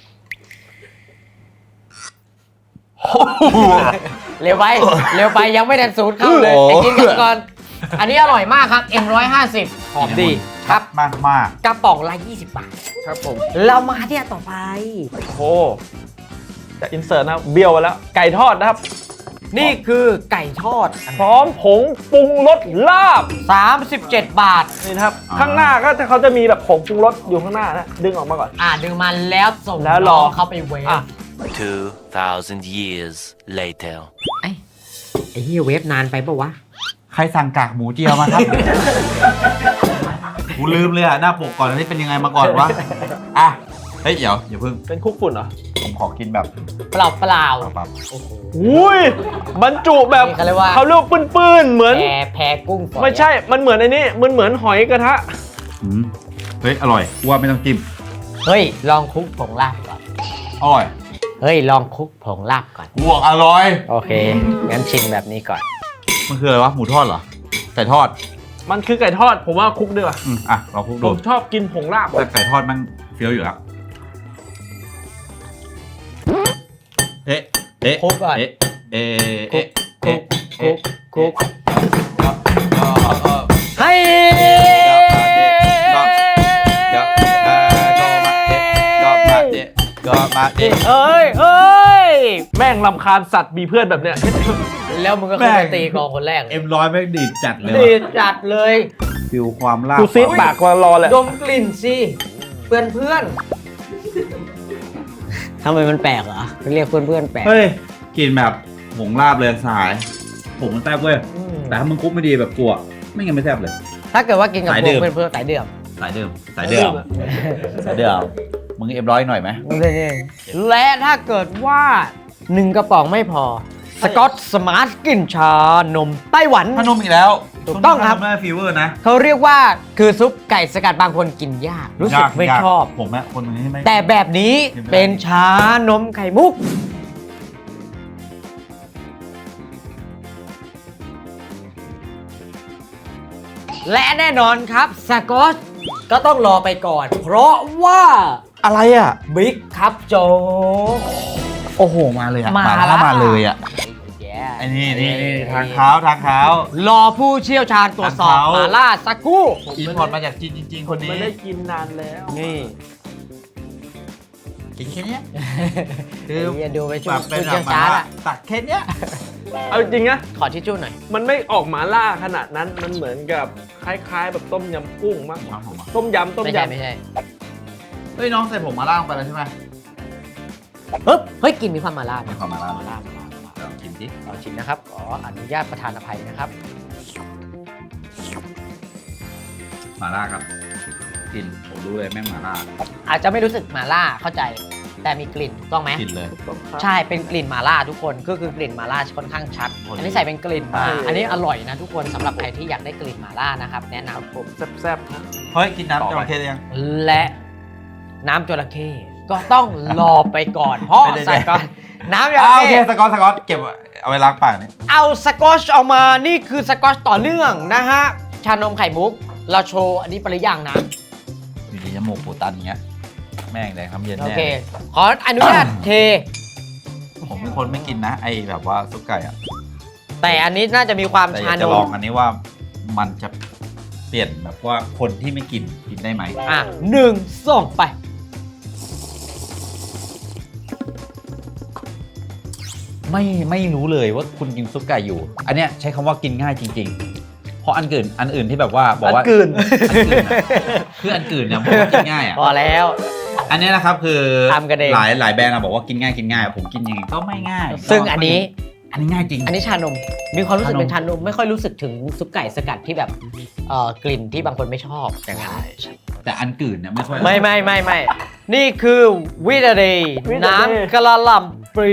Speaker 1: เร็วไปยังไม่ทันสูตรเข้าเลยไอ้กินกันก่อน อันนี้อร่อยมากครับ M150 หอมดีครับ
Speaker 2: มากมาก
Speaker 1: กระป๋องละ20 บาท
Speaker 3: ครับผม
Speaker 1: เรามาที่อันต่อไป
Speaker 3: โอ้จะอินเสิร์ตนะครับเบี้ยวไปแล้ว ไก่ทอดนะครับ
Speaker 1: นี่คือไก่ทอด
Speaker 3: พร้อมผงปรุงรสลาบ
Speaker 1: 37 บาท
Speaker 3: นี่นะครับ ข้างหน้าก็เขาจะมีแบบผงปรุงรสอยู่ข้างหน้านะ ดึงออกมาก่อน
Speaker 1: ดึงมันแล้วส่ง
Speaker 3: แล้วรอ
Speaker 1: น้องเข้าไปเวฟ
Speaker 3: อ่ะ
Speaker 5: 2,000 years later.
Speaker 1: ไอ้เฮียเวฟนานไปปะวะ
Speaker 2: ใครสั่งกากหมูเจียวมาครับ กูลืมเลยอ่ะ หน้าปกก่อนอันนี้เป็นยังไงมาก่อนวะ อ่ะ เฮ้ย เดี๋ยวอย่าเพิ่ง
Speaker 3: เป็นคุกฝุ่นเหรอ
Speaker 2: ผมขอกินแบบ
Speaker 1: เปล่า
Speaker 2: ปั๊บ
Speaker 3: อุ้ยบรรจุแบบ
Speaker 1: นี่เขาเรียกว่า
Speaker 3: เขาเรียกว่าปื้นๆเหมือน
Speaker 1: แพรกุ้งฝอย
Speaker 3: ไม่ใช่ มันเหมือนไอ้นี่มันเหมือนหอยกระทะ
Speaker 2: เฮ้ย อร่อยกูว่าไม่ต้องจิ้ม
Speaker 1: เฮ้ย ลองคลุกผงลาบก่อน
Speaker 2: อร่อย
Speaker 1: เฮ้ย ลองคลุกผงลาบก่อน
Speaker 2: กูบอกอร่อย
Speaker 1: โอเค งั้นชิมแบบนี้ก่อน
Speaker 2: มันคืออะไรวะ หมูทอดเหรอ ไก่ทอด
Speaker 3: มันคือไก่ทอด ผมว่าคุกดีกว่า
Speaker 2: อ่ะเราคลุก
Speaker 3: ผ
Speaker 2: ดู
Speaker 3: มชอบกินผงลาบ
Speaker 2: แต่ไก่ทอดมันเฟี้ยวอยู่แล้ว เอ๊ะ เอ๊ะ
Speaker 1: คลุกก่อน
Speaker 2: เอ๊ะ เอ๊ะ
Speaker 1: คลุ
Speaker 2: เอ๊ะ
Speaker 1: กคลุกคลุกให้
Speaker 2: ก็มาเอ๊ะ
Speaker 1: เอ้ย
Speaker 3: แม่งลำคาญสัตว์มีเพื่อนแบบเนี้ย
Speaker 1: แล้วมึงก็ขึ้นไปตีกองคนแรกเลย
Speaker 2: M100แม่งดีดจัดเลย
Speaker 1: ดี
Speaker 2: ว่ะ
Speaker 1: จัดเลย
Speaker 2: ฟิลความลาบ
Speaker 3: กูซีดปากมารอแหละ
Speaker 1: ดมกลิ่นสิ เพื่อนทำไมมันแปลกเหรอเรียกเพื่อนแปลก
Speaker 2: เฮ้ย กินแบบหงลาบเลยสายผมมันแซ่บเว้ยแต่ถ้ามึงคลุกไม่ดีแบบกลัวไม่งั้นไม่แซ่บเลย
Speaker 1: ถ้าเกิดว่ากินกับ
Speaker 2: สาย
Speaker 1: พ
Speaker 2: ดื่
Speaker 1: วก
Speaker 2: ม
Speaker 1: เพื่อนๆสายเดือม
Speaker 2: สายเดิมสายเดิมสายเดิมมึงเอ็มร้อยหน่อยไหม
Speaker 1: และถ้าเกิดว่า1กระป๋องไม่พอสกอตสมาร์ทกลิ่นชานมไต้หวัน
Speaker 2: ขนมอีกแล้ว
Speaker 1: ถูกต้องครับ
Speaker 2: แม่ฟีเวอร์นะ
Speaker 1: เขาเรียกว่าคือซุปไก่สกัดบางคนกินยาก รู้สึกไม่
Speaker 2: ยา
Speaker 1: ชอบ
Speaker 2: ผมอะคนนี้ไม่
Speaker 1: แต่แบบนี้เป็นชานมไข่มุก และแน่นอนครับสกอตก็ต้องรอไปก่อน เพราะว่า
Speaker 2: อะไรอ่ะ
Speaker 1: บิ๊กครับโจก
Speaker 2: โอ้โหมาเลยอ่ะ
Speaker 1: มา
Speaker 2: แล้วมาเลยอ่ะ
Speaker 1: แย่
Speaker 2: ไอ้นี่ทางเท้า
Speaker 1: รอผู้เชี่ยวชาญตรวจสอบ
Speaker 2: ทางเท้า
Speaker 1: มาล่าสักครู่
Speaker 2: อินพอร์ตมาจากจีนจริง ๆ คนนี้
Speaker 3: ไม่ได้กินนานแล้ว
Speaker 1: นี่
Speaker 2: กินแค่เนี้ย
Speaker 1: คือดูไปช่ว
Speaker 2: แบ
Speaker 1: ย
Speaker 2: บเป็น
Speaker 1: ผู้
Speaker 2: แบ
Speaker 1: เชี่ยว
Speaker 2: บ
Speaker 1: ชาญอะ
Speaker 2: ตักแค่เนี้ย
Speaker 3: เอาจริงนะ
Speaker 1: ขอทิชชู่หน่อย
Speaker 3: มันไม่ออกหมาล่าขนาดนั้นมันเหมือนกับคล้ายๆ แบบต้มยำกุ้งมากกว่าต้มยำ
Speaker 1: ไม่ใช่ไม่ใช่
Speaker 2: เฮ้ยน้องใส่ผมมาล่าลงไปแล้วใช่ไหม
Speaker 1: เฮ้ยกลินมีความมาล่า
Speaker 2: มีความมาล่า
Speaker 1: มาล่า
Speaker 2: ลองกินดิ
Speaker 1: ลองชิมนะครับขออนุญาตประธานอภัยนะครับ
Speaker 2: มาล่าครับกินผมรู้เลยแม่งมาล่า
Speaker 1: อาจจะไม่รู้สึกมาล่าเข้าใจ แต่มีกลิ่นถูกต้องไหม
Speaker 2: กินเลย
Speaker 1: ใช่เป็นกลิ่นมาล่าทุกคนก็คือกลิ่นมาล่าค่อนข้างชัด อันนี้ใส่เป็นกลิ่นมา อันนี้อร่อยนะทุกคนสำหรับใครที่อยากได้กลิ่นมาล่านะครับแนะนำ
Speaker 3: ผมแซ่บๆนะ
Speaker 2: เฮ้ยกินน้ำจระเข้ยัง
Speaker 1: และน้ำจระเข้ก็ต้องรอไปก่อน เพราะ
Speaker 2: ไม่ได้
Speaker 1: ใส่ก่อนน้ำจระ
Speaker 2: โอเค
Speaker 1: เข้
Speaker 2: สกอตเก็บเอาไว้ล้างปากนี่
Speaker 1: เอาสกอชออกมานี่คือสกอชต่อเนื่องนะฮะชานมไข่มุกเราโชว์อันนี้ไปหรือยังนะ
Speaker 2: อยู่ดีจมูกปูตันอย่างเงี้ยแม่งแดงทำเย็น
Speaker 1: โอ
Speaker 2: แน่
Speaker 1: เคขออนุญาตเท
Speaker 2: ผมเป็นคนไม่กินนะไอแบบว่าซุปไก่อะ
Speaker 1: แต่อันนี้น่าจะมีความ
Speaker 2: แต่อาก
Speaker 1: ชายน
Speaker 2: จะลอง
Speaker 1: ม
Speaker 2: อันนี้ว่ามันจะเปลี่ยนแบบว่าคนที่ไม่กินได้ไหม
Speaker 1: อ่ะ1 2ไป
Speaker 2: ไม่รู้เลยว่าคุณกินซุปไก่อยู่ อันเนี้ยใช้คำว่ากินง่ายจริง ๆ เพราะอันอื่นที่แบบว่าบอกว่า
Speaker 3: อันอื่น
Speaker 2: คืออันอื่นเนี่ยบอกว่ากินง่ายอ่ะ
Speaker 1: พอแล้ว
Speaker 2: อันเนี้ยนะครับคือ
Speaker 1: ทำกันเอง
Speaker 2: หลายแบรนด์อะบอกว่ากินง่ายผมกินยังไงก็ไม่ง่าย
Speaker 1: ซึ่งอันนี้
Speaker 2: ง่ายจริง
Speaker 1: อันนี้ชานม มีความรู้สึก
Speaker 2: ชานม
Speaker 1: เป็นชานม ไม่ค่อยรู้สึกถึงซุปไก่สกัดที่แบบกลิ่นที่บางคนไม่ชอบอย่างนั้น
Speaker 2: แต่อันอื่นเนี่ยไม่ค่อย
Speaker 1: ไม่นี่คือวิตาดี
Speaker 3: วิตาดี
Speaker 1: น้ำกระหล่ำปรี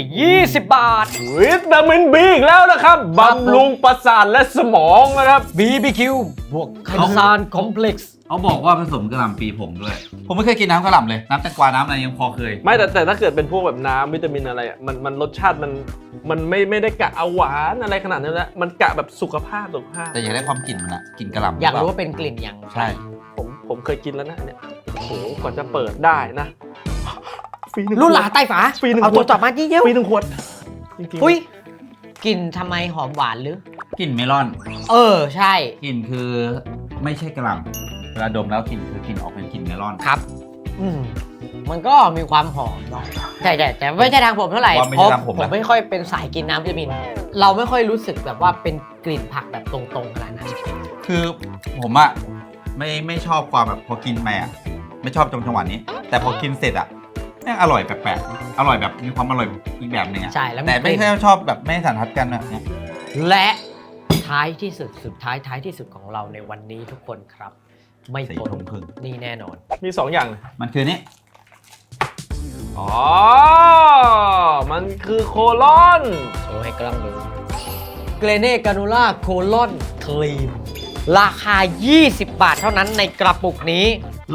Speaker 1: 20 บาท
Speaker 3: วิตามินบีอีกแล้วนะครับบำรุงประสาทและสมองนะครับ
Speaker 1: BBQ บวกไคซานคอมเพล็กซ์
Speaker 2: เขาบอกว่าผสมกระหล่ำปีผงด้วย ผมไม่เคยกินน้ำกระหล่ำเลยน้ำแตงกวาน้ำอะไรยังพอเคย
Speaker 3: ไม่แต่ถ้าเกิดเป็นพวกแบบน้ำวิตามินอะไรอ่ะมันรสชาติมันไม่ได้กะเอาหวานอะไรขนาดนั้นแล้วมันกะแบบสุขภาพ
Speaker 2: แต่อยากได้ความกลิ่นมันอะกลิ่นกระหล่ำ
Speaker 1: อยากรู้
Speaker 2: ห
Speaker 1: ว่าเป็นกลิ่นอย่างไร
Speaker 2: ใช่
Speaker 3: ผมเคยกินแล้วนะเนี่ยโอ้โหกว่าจะเปิดได้นะฟรีหนึ่ง
Speaker 1: รุ่นหลาใต้ฝา
Speaker 3: ฟรีหนึ่ง
Speaker 1: เอา
Speaker 3: ข
Speaker 1: ตัว วจับมาที่เยี่ยว
Speaker 3: ฟรีหนึ่งขวดจริงๆ
Speaker 1: อุ้ยกลิ่นทำไมหอมหวานหรือ
Speaker 2: กลิ่นเมลอน
Speaker 1: ใช่
Speaker 2: กลิ่นคือไม่ใช่กระหล่ำเวลาดมแล้วกลิ่นคือกลิ่นออกเป็นกลิ่นเมลอน
Speaker 1: ครับ มันก็มีความหอมเนาะใช่แต่ไม่ใช่ทางผมเท่าไหร่
Speaker 2: ว่าไม่
Speaker 1: เพ
Speaker 2: ใช่
Speaker 1: ราะ
Speaker 2: ทางผม
Speaker 1: ผม
Speaker 2: นะ
Speaker 1: ไม่ค่อยเป็นสายกินน้ำวิตามิน เราไม่ค่อยรู้สึกแบบว่าเป็นกลิ่นผักแบบตรงๆขนาดนั้น
Speaker 2: คือผมอะไม่ชอบความแบบพอกินไปอะไม่ชอบจังหวะนี้ แต่พอกินเสร็จอะแม่งอร่อยแปลกๆอร่อยแบบมีความอร่อยอีกแบบหนึงอะ
Speaker 1: ใช่แล้วมี
Speaker 2: แต่ไม่
Speaker 1: กลิ่น
Speaker 2: ใช่ชอบแบบไม่สันทัดกันแบบเนี้ย
Speaker 1: และท้ายที่สุดท้ายที่สุดของเราในวันนี้ทุกคนครับ ไม่
Speaker 2: สี
Speaker 1: พ้น
Speaker 2: ทงพึ่ง
Speaker 1: นี่แน่นอน
Speaker 3: มี2อย่างเลย
Speaker 2: มันคือนี่
Speaker 3: อ๋อมันคือโคลอน
Speaker 1: โชว์ให้กล้องดูเกรเน่กานูล่าโคลอนครีมราคา 20 บาทเท่านั้นในกระปุกนี้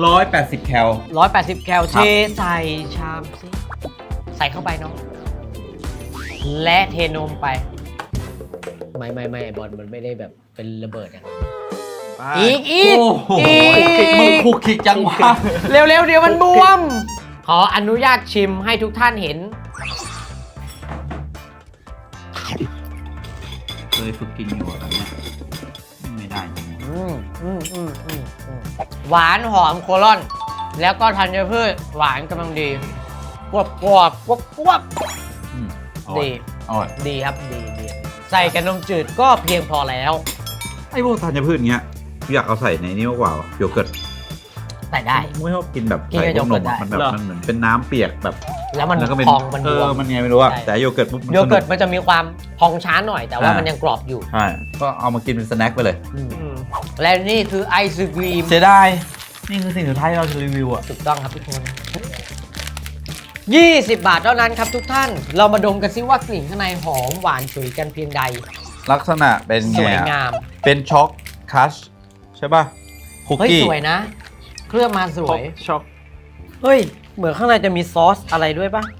Speaker 2: 180 แคล
Speaker 1: 180 แคลเทใส่ชามสิใส่เข้าไปเนาะและเทนมไป ไม่บอลมันไม่ได้แบบเป็นระเบิดอย่างนั้นอีก
Speaker 2: โอ้โหมึงคุกคิกจังวะ
Speaker 1: เร็วๆเดี๋ยวมันบวม ขออนุญาตชิมให้ทุกท่านเห็น
Speaker 2: เคยฝึกกินอยู่แบบเนี้ยไม่ได้จริง
Speaker 1: หวานหอมโคลอน แล้วก็ธัญพืชหวานกำลังดีกวบดี
Speaker 2: อร่อย
Speaker 1: ดีครับดีใส่กับนมจืดก็เพียงพอแล้ว
Speaker 2: ไอ้พวกธัญพืชเงี้ยอยากเอาใส่ในนี้มากกว่าโยเกิร์ต
Speaker 1: แต่ได้
Speaker 2: ไม่ชอบกินแบบ
Speaker 1: กิน
Speaker 2: ใส่
Speaker 1: กับ
Speaker 2: พวกนม
Speaker 1: โยเกิร์ตได้
Speaker 2: อะมันแบบมันเหมือนเป็นน้ำเปียกแบบ
Speaker 1: แล้วมัน
Speaker 2: แล้วก็เป็น
Speaker 1: พองมันบวม
Speaker 2: มันไงไม่รู้อะ
Speaker 1: ใช่
Speaker 2: แต่โยเกิร์ตปุ๊บมัน
Speaker 1: โยเกิร์ต
Speaker 2: สนุ
Speaker 1: มันจะมีความพองช้าหน่อย แต่ว่ามันยังกรอบอยู่
Speaker 2: ใช่ก็เอามากินเป็นสแน็คไปเลย
Speaker 1: และนี่คือไอศกรีม
Speaker 2: เสียดายนี่คือสิ่งสุดท้ายที่เราจะรีวิวอะ
Speaker 1: ถูกต้องครับทุกคน 20 บาทเท่านั้นครับทุกท่าน เรามาดมกันซิว่ากลิ่นข้างในหอมหวานฉุยกันเพียงใด
Speaker 2: ลักษณะเป็น
Speaker 1: ส
Speaker 2: ไง
Speaker 1: วย
Speaker 2: อะ
Speaker 1: งาม
Speaker 2: เป็นช็อกคัชใช่ป่ะคุก
Speaker 1: เฮ้ย
Speaker 2: กี้
Speaker 1: สวยนะ เครื่องมาสวย
Speaker 3: ช็อก
Speaker 1: เฮ้ย เหมือนข้างในจะมีซอสอะไรด้วยป่ะ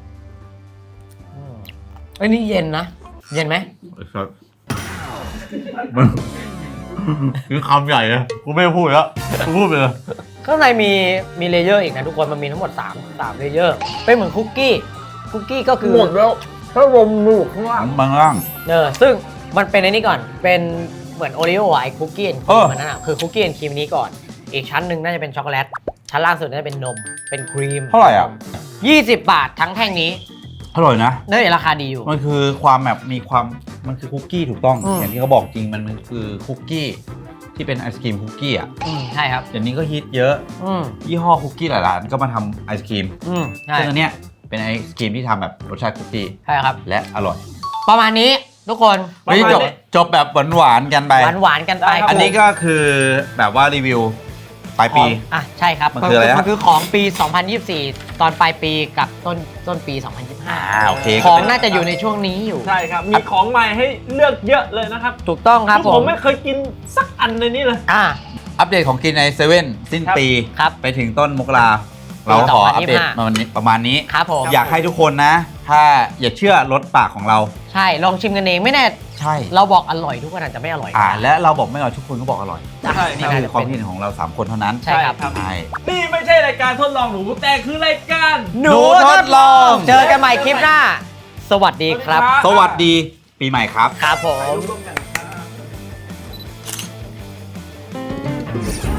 Speaker 1: เอ้ยนี่เย็นนะ เย็นไหม
Speaker 2: ครับมันคือคำใหญ่อะกูไม่พูดแล้วกูพูดไปเลย
Speaker 1: ข้างในมีเลเยอร์อีกนะทุกคน มันมีทั้งหมด3เลเยอร์ เป็นเหมือนคุกกี้ คุกกี้ก็คือ
Speaker 3: หมดแล้วถ้าลมหนูข้างล่าง
Speaker 2: บางล่าง
Speaker 1: ซึ่งมันเป็นไอ้นี่ก่อน เป็นเหมือนโอริโอไอคุกกี้แอนด์ค
Speaker 2: เอ
Speaker 1: รี
Speaker 2: อ
Speaker 1: มมันนั่นอ่ะ คือคุกกี้แอนด์ครีมนี้ก่อน อีกชั้นหนึ่งน่าจะเป็นช็อกโกแลต ชั้นล่างสุดน่าจะเป็นนม เป็นครีม
Speaker 2: เท่าไหร่อ่ะ
Speaker 1: 20 บาททั้งแท่งนี้
Speaker 2: อร่อยนะ
Speaker 1: นั่นราคาดีอยู่
Speaker 2: มันคือความแบบมีความมันคือคุกกี้ถูกต้อง
Speaker 1: อืม
Speaker 2: อย่างที่เขาบอกจริงมันคือคุกกี้ที่เป็นไอศกรีมคุกกี้อ่ะ
Speaker 1: ใช่ครับ
Speaker 2: เดี๋ยวนี้ก็ฮิตเยอะ
Speaker 1: อืม
Speaker 2: ยี่ห้อคุกกี้หลายร้านก็มาทำไอศกรีม
Speaker 1: ใช่
Speaker 2: ซึ่งอันเนี้ยเป็นไอศกรีมที่ทำแบบรสชาติคุกกี้
Speaker 1: ใช่ครับ
Speaker 2: และอร่อย
Speaker 1: ประมาณนี้ทุกคน
Speaker 2: ไม่จบแบบหวานๆกันไป
Speaker 1: หวานๆกันไป
Speaker 2: อันนี้ก็คือแบบว่ารีวิวปลายปี
Speaker 1: อ่ะใช่ครับ
Speaker 2: มันคืออะไรฮะ
Speaker 1: มันคือของปี 2024 ตอนปลายปีกับต้นปี 2025
Speaker 2: โอเค
Speaker 1: ของน่าจะอยู่ในช่วงนี้อยู่
Speaker 3: ใช่ครับ มีของใหม่ให้เลือกเยอะเลยนะครับ
Speaker 1: ถูกต้องครับ
Speaker 3: ที่ผมไม่เคยกินสักอันในนี้เลย
Speaker 1: อ่า
Speaker 2: อัปเดตของกินในเซเว่นสิ้นปี
Speaker 1: ครับ
Speaker 2: ไปถึงต้นมกราเราขออัปเดตประมาณนี้
Speaker 1: ครับผม
Speaker 2: อยากให้ทุกคนนะ ถ้าอย่าเชื่อรสปากของเรา
Speaker 1: ใช่ลองชิมกันเองไม่แน่
Speaker 2: ใช่
Speaker 1: เราบอกอร่อยทุกคนอาจจะไม่อร่อย
Speaker 2: และเราบอกไม่อร่อยทุกคนก็บอกอร่อย
Speaker 3: ใช่
Speaker 2: นี่
Speaker 3: ครับ
Speaker 2: คือความคิดเห็นของเรา 3 คนเท่านั้น
Speaker 1: ใช่ครับ
Speaker 2: ใช่
Speaker 3: นี่ไม่ใช่รายการทดลองหนูแต่คือรายการ
Speaker 1: หนูทดลอง เจอกันใหม่คลิปหน้า สวัสดีครับ
Speaker 2: สวัสดีปีใหม่ครับ
Speaker 1: ครับผม
Speaker 3: ร่วมกันครับ